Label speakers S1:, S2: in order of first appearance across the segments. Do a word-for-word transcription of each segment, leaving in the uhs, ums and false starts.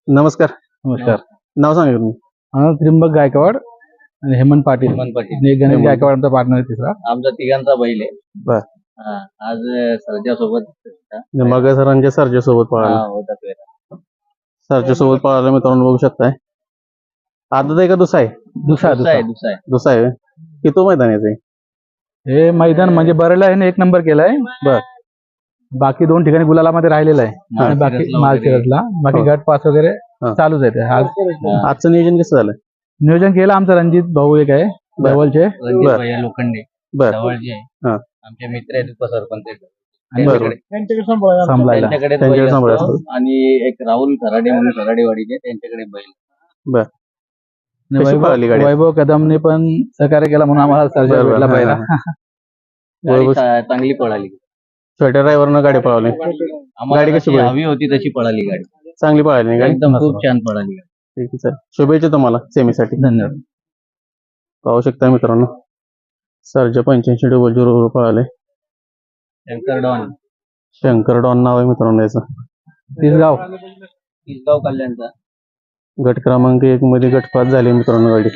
S1: नमस्कार.
S2: नमस्कार.
S1: नाव सांगा तुम्ही.
S2: हा, त्रिंबक गायकवाड आणि हेमंत पाटील
S3: हेमंत पाटील
S2: आणि एक गणेश गायकवाड आमचा पार्टनर आहे तिसरा.
S3: आमचा तिघांचा बैल आहे.
S1: बर.
S3: हा, आज सरजा सोबत
S1: मग सरांच्या सरच्या सोबत पळाला.
S3: होता पेरा.
S1: सरच्या सोबत पळाला मित्रांनो, बघू शकताय. आदत आहे का दुसरा आहे?
S2: दुसरा
S3: दुसरा आहे
S2: दुसरा
S3: दुसरा आहे
S1: दुसरा आहे. किती मैदान याचं आहे?
S2: हे मैदान म्हणजे बरेला आहे ना, एक नंबर केलाय.
S1: बर.
S2: बाकी दोन ठिकाणी गुलालामध्ये राहिलेला आहे आणि बाकी
S3: माळशिरसला
S2: माळशिरसला बाकी
S1: हो.
S2: गट पास वगैरे
S1: हा.
S2: चालूच आहे ते. आज
S1: आजचं नियोजन कसं झालं?
S2: नियोजन केलं आमचा रणजित भाऊ एक आहे
S1: बर.
S2: जवळचे.
S3: रणजित
S1: बर.
S3: भैया लोखंडे
S1: बर.
S3: जवळचे
S1: हा.
S3: आमचे मित्र आहेत उपसरपंच आहेत.
S1: बरोबर.
S3: त्यांच्याकडे
S2: सांभाळायला
S3: त्यांच्याकडे
S1: त्यांच्याकडे
S3: बैल
S1: सांभाळायला
S3: असतो. आणि एक राहुल खराडे म्हणून खराडेवाडीचे त्यांच्याकडे बैल.
S1: बर.
S2: आणि
S1: कशी
S2: वैभव
S1: पळाली गाडी?
S2: वैभव कदमने पण सहकार्य केला म्हणून आम्हाला सर्जा
S1: बरोबर.
S2: भेटला
S1: हा,
S2: पहिला.
S1: हा,
S3: गाडी
S1: वैभव-
S3: चा- चांगली पळाली.
S1: छोट्या ड्रायव्हरनं गाडी पळवली.
S3: आम्हाला
S1: गाडी कशी
S3: जशी
S1: पळाली?
S3: हवी होती तशी पळाली गाडी.
S1: चांगली पळाली नाही गाडी.
S3: एकदम खूप छान पळाली गाडी.
S1: ठीक आहे, चल. शुभेच्छा तुम्हाला सेमीसाठी.
S2: धन्यवाद.
S1: पाहू शकता मित्रांनो, सरच्या पंच्याऐंशी डबल झिरो पळाले.
S3: शंकर डॉन
S1: शंकर डॉन नाव आहे मित्रांनो याचं.
S2: तिसगाव
S3: तिसगाव कल्याणचा.
S1: गट क्रमांक एक मध्ये गटपात झाले मित्रांनो गाडी.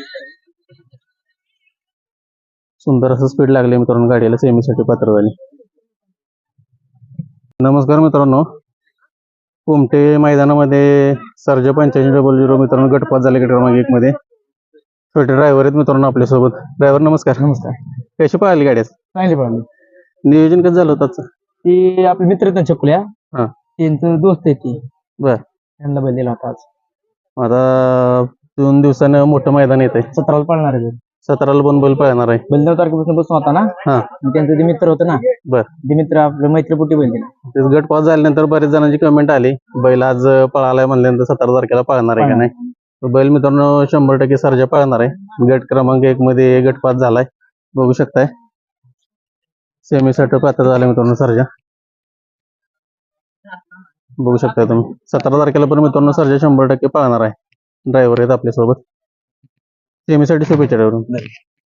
S1: सुंदर असं स्पीड लागले मित्रांनो गाडीला, सेमीसाठी पात्र झाली. नमस्कार मित्रांनो, कुमटे मैदानामध्ये सरजा पंच्याऐंशी डबल झिरो मित्रांनो गटपात झाले गट क्रमांक एक मध्ये. छोटे ड्रायव्हर आहेत मित्रांनो आपल्यासोबत. ड्रायव्हर नमस्कार.
S2: नमस्कार.
S1: कशी पळाली गाडी आज?
S2: चांगली पळाली.
S1: नियोजन कसं झालं होतं आजचं?
S2: ती आपले मित्र आहेत ना छकुल्या,
S1: हा.
S2: त्यांचं दोस्त आहे ती.
S1: बर.
S2: त्यांना बैल दिला होता आज.
S1: आता दोन दिवसानं मोठं मैदान येत आहे.
S2: सतराला पळणार आहे बैल.
S1: सतराला पण बैल पळणार आहे.
S2: बैल नऊ तारखेपासून बसून होता ना.
S1: हा.
S2: आणि त्यांचं ते मित्र होतं ना.
S1: बर.
S2: ते मित्र आपलं मैत्रीपोटी बैल दिला.
S1: तेच गट पास झाल्यानंतर बरेच जणांची कमेंट आली, बैल आज पळालाय म्हणल्यानंतर सतरा तारखेला पळणार आहे का नाही. तर बैल मित्रांनो शंभर टक्के सरजा पळणार आहे. गट क्रमांक एक मध्ये गट पास झालाय, बघू शकताय. सेमीसाठी पात्र झाले मित्रांनो सरजा, बघू शकताय तुम्ही. सतरा तारखेला पण मित्रांनो सरजा शंभर टक्के पळणार आहे. ड्रायव्हर आहेत आपल्यासोबत. सेमीसाठी शुभेच्छा ड्रायव्हर.